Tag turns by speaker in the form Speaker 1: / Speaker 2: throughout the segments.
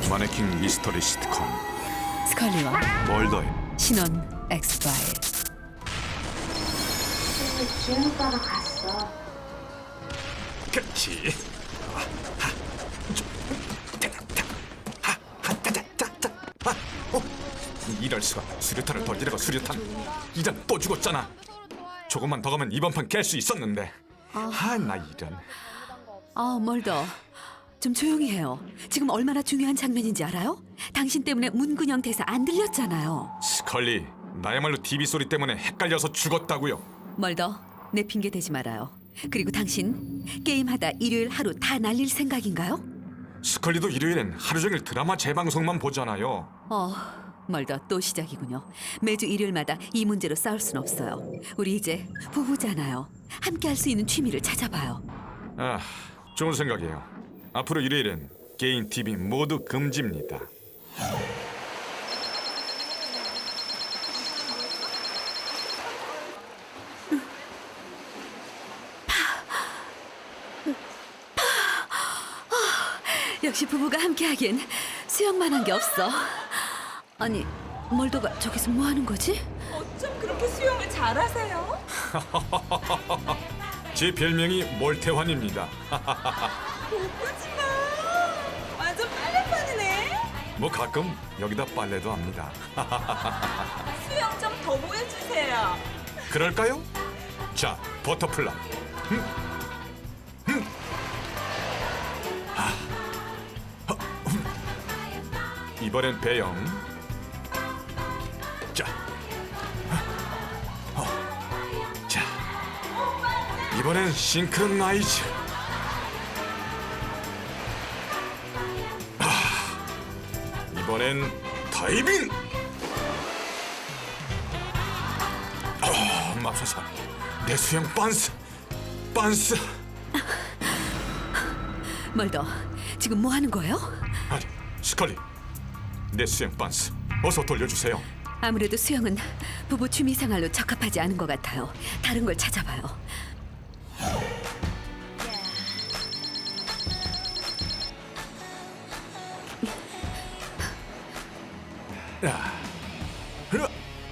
Speaker 1: 마네킹 미스터리 시트콤
Speaker 2: 스컬리와
Speaker 1: 멀더의
Speaker 2: 신혼 엑스파일.
Speaker 3: 지은 오빠가 갔어.
Speaker 1: 그렇지. 이럴 수가. 수류탄을 던지다가 수류탄. 이런 또 죽었잖아. 조금만 더 가면 이번 판 깰 수 있었는데. 나 이런.
Speaker 2: 멀더. 좀 조용히 해요. 지금 얼마나 중요한 장면인지 알아요? 당신 때문에 문근영 대사 안 들렸잖아요.
Speaker 1: 스컬리, 나야말로 TV 소리 때문에 헷갈려서 죽었다고요.
Speaker 2: 멀더, 내 핑계 대지 말아요. 그리고 당신 게임하다 일요일 하루 다 날릴 생각인가요?
Speaker 1: 스컬리도 일요일엔 하루 종일 드라마 재방송만 보잖아요.
Speaker 2: 멀더, 또 시작이군요. 매주 일요일마다 이 문제로 싸울 순 없어요. 우리 이제 부부잖아요. 함께 할 수 있는 취미를 찾아봐요.
Speaker 1: 좋은 생각이에요. 앞으로 일요일엔 게임, TV 모두 금지입니다.
Speaker 2: 역시 부부가 함께하기엔 수영만 한 게 없어. 아니, 멀더가 저기서 뭐 하는 거지?
Speaker 4: 어쩜 그렇게 수영을 잘하세요?
Speaker 1: 제 별명이 몰태환입니다.
Speaker 4: 오빠지마 완전 빨래판이네.
Speaker 1: 뭐 가끔 여기다 빨래도 합니다.
Speaker 4: 수영 좀 더 보여주세요.
Speaker 1: 그럴까요? 자, 버터플라. 이번엔 배영. 자, 자, 이번엔 싱크로나이즈. 이번엔 다이빙. 맙소사, 내 수영 빤스.
Speaker 2: 멀더, 지금 뭐 하는 거예요?
Speaker 1: 아니, 스컬리, 내 수영 빤스 어서 돌려주세요.
Speaker 2: 아무래도 수영은 부부 취미 생활로 적합하지 않은 것 같아요. 다른 걸 찾아봐요.
Speaker 1: 야, 흐.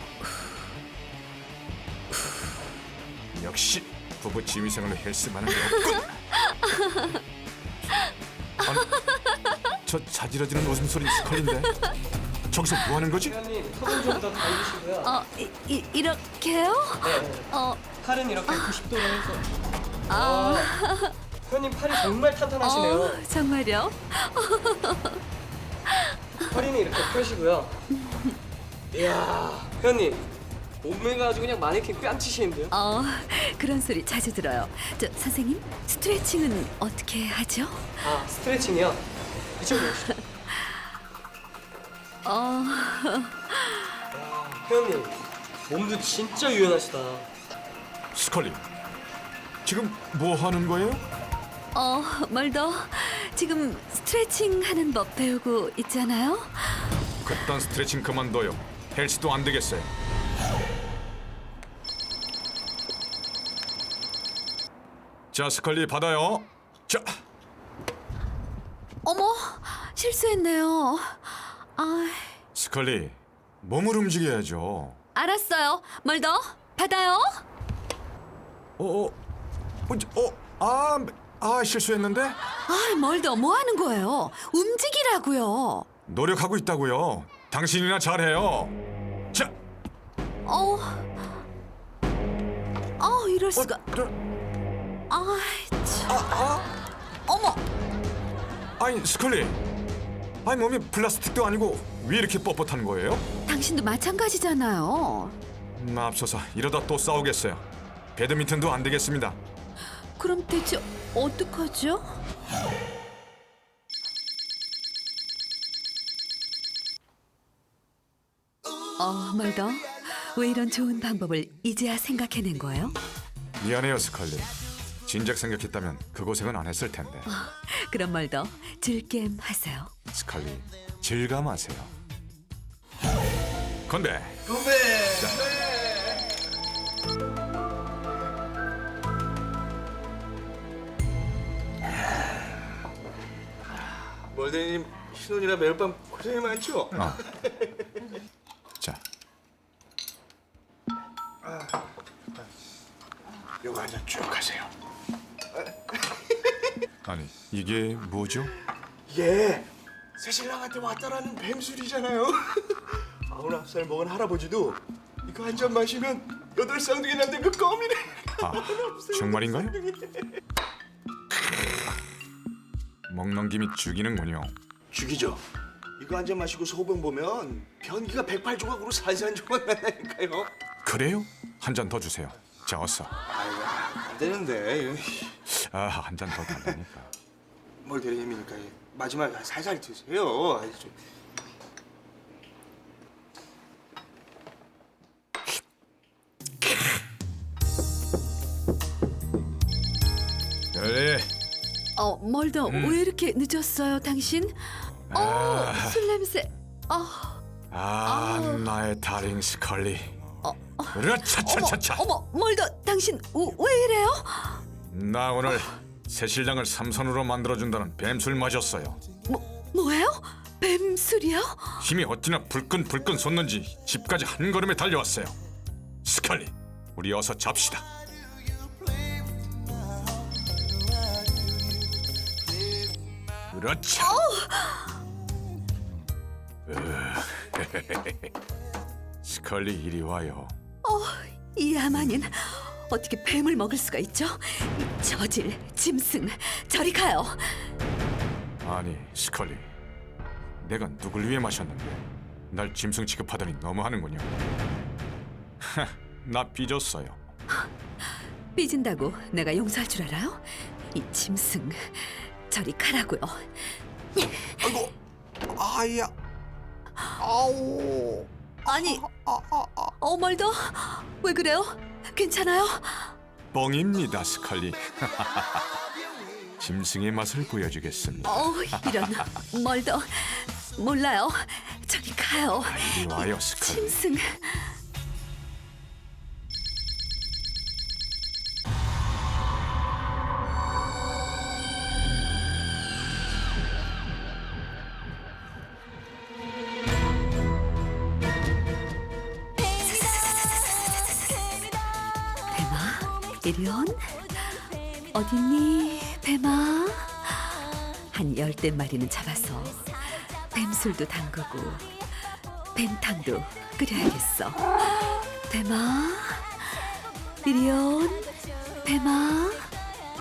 Speaker 1: 역시 부부 취미생활로 헬스만한 게 없군. 아니, 저 자지러지는 웃음소리 스컬인데 저기서 뭐 하는 거지?
Speaker 5: 회원님 손을 좀 더 당기시고요.
Speaker 2: 이렇게요?
Speaker 5: 네. 팔은 이렇게 90도로 해서. 회원님 팔이 정말 탄탄하시네요.
Speaker 2: 정말요?
Speaker 5: 허리는 이렇게 펴시고요. 이야, 회원님 몸매가 아주 그냥 마네킹 뺨치시는데요.
Speaker 2: 그런 소리 자주 들어요. 선생님, 스트레칭은 어떻게 하죠?
Speaker 5: 스트레칭이요. 이쪽으로 오시죠. 회원님 몸도 진짜 유연하시다.
Speaker 1: 스컬리, 지금 뭐 하는 거예요?
Speaker 2: 멀더, 지금 스트레칭 하는 법 배우고 있잖아요.
Speaker 1: 그딴 스트레칭 그만둬요. 헬스도 안 되겠어요. 자, 스컬리 받아요. 자,
Speaker 2: 어머, 실수했네요.
Speaker 1: 스컬리, 몸을 움직여야죠.
Speaker 2: 알았어요. 멀더, 받아요.
Speaker 1: 실수했는데?
Speaker 2: 멀더, 뭐 하는 거예요? 움직이라고요.
Speaker 1: 노력하고 있다고요. 당신이나 잘해요. 자,
Speaker 2: 이럴 수가. 어머,
Speaker 1: 아니 스컬리, 아니 몸이 플라스틱도 아니고 왜 이렇게 뻣뻣한 거예요?
Speaker 2: 당신도 마찬가지잖아요.
Speaker 1: 맙소사, 이러다 또 싸우겠어요. 배드민턴도 안 되겠습니다.
Speaker 2: 그럼 대체 어떡하죠? 멀더, 왜 이런 좋은 방법을 이제야 생각해낸 거예요?
Speaker 1: 미안해요 스컬리. 진작 생각했다면 그 고생은 안 했을 텐데.
Speaker 2: 그럼 멀더, 즐겜 하세요.
Speaker 1: 스컬리, 질감하세요. 건배.
Speaker 6: 멀대님 신혼이라 매일 밤 고생이 많죠?
Speaker 1: 자,
Speaker 6: 요거 한잔 쭉 하세요.
Speaker 1: 아니 이게 뭐죠?
Speaker 6: 예, 새신랑한테 왔다라는 뱀술이잖아요. 99살 먹은 할아버지도 이거 한 잔 마시면 8쌍둥이 낳는 그 껌이네.
Speaker 1: 아, 정말인가요? 먹는 김이 죽이는군요.
Speaker 6: 죽이죠. 이거 한 잔 마시고 소변 보면 변기가 108조각으로 산산조각 난다니까요.
Speaker 1: 그래요? 한 잔 더 주세요. 자, 어서.
Speaker 6: 아이고, 안 되는데.
Speaker 1: 아, 한 잔 더 달라니까.
Speaker 6: 뭘 대리님이니까 마지막 살살 드세요. 아이, 좀.
Speaker 1: 그래.
Speaker 2: 멀더 왜 이렇게 늦었어요, 당신? 술 냄새.
Speaker 1: 나의 다링 스컬리. 으라차차차차.
Speaker 2: 어머, 멀더 당신 왜 이래요?
Speaker 1: 나 오늘 새신랑을 삼선으로 만들어준다는 뱀술 마셨어요.
Speaker 2: 뭐예요? 뱀술이요?
Speaker 1: 힘이 어찌나 불끈불끈 솟는지 집까지 한 걸음에 달려왔어요. 스컬리, 우리 어서 잡시다. 그렇죠. 스컬리 이리 와요.
Speaker 2: 이 야만인 어떻게 뱀을 먹을 수가 있죠? 이 저질, 짐승, 저리 가요.
Speaker 1: 아니 스컬리, 내가 누굴 위해 마셨는데 날 짐승 취급하더니 너무하는군요. 나 삐졌어요.
Speaker 2: 삐진다고 내가 용서할 줄 알아요? 이 짐승, 저리 가라고요.
Speaker 6: 아이고, 아야, 아우.
Speaker 2: 아니, 멀더 왜 그래요? 괜찮아요?
Speaker 1: 뻥입니다 스컬리. 짐승의 맛을 보여주겠습니다.
Speaker 2: 이런 멀더 몰라요. 저리 가요.
Speaker 1: 이리 와요 스컬리.
Speaker 2: 짐승. 뱀아, 이리온. 어딨니, 뱀아? 한 10대 마리는 잡아서 뱀술도 담그고 뱀탕도 끓여야겠어. 뱀아, 이리온. 뱀아.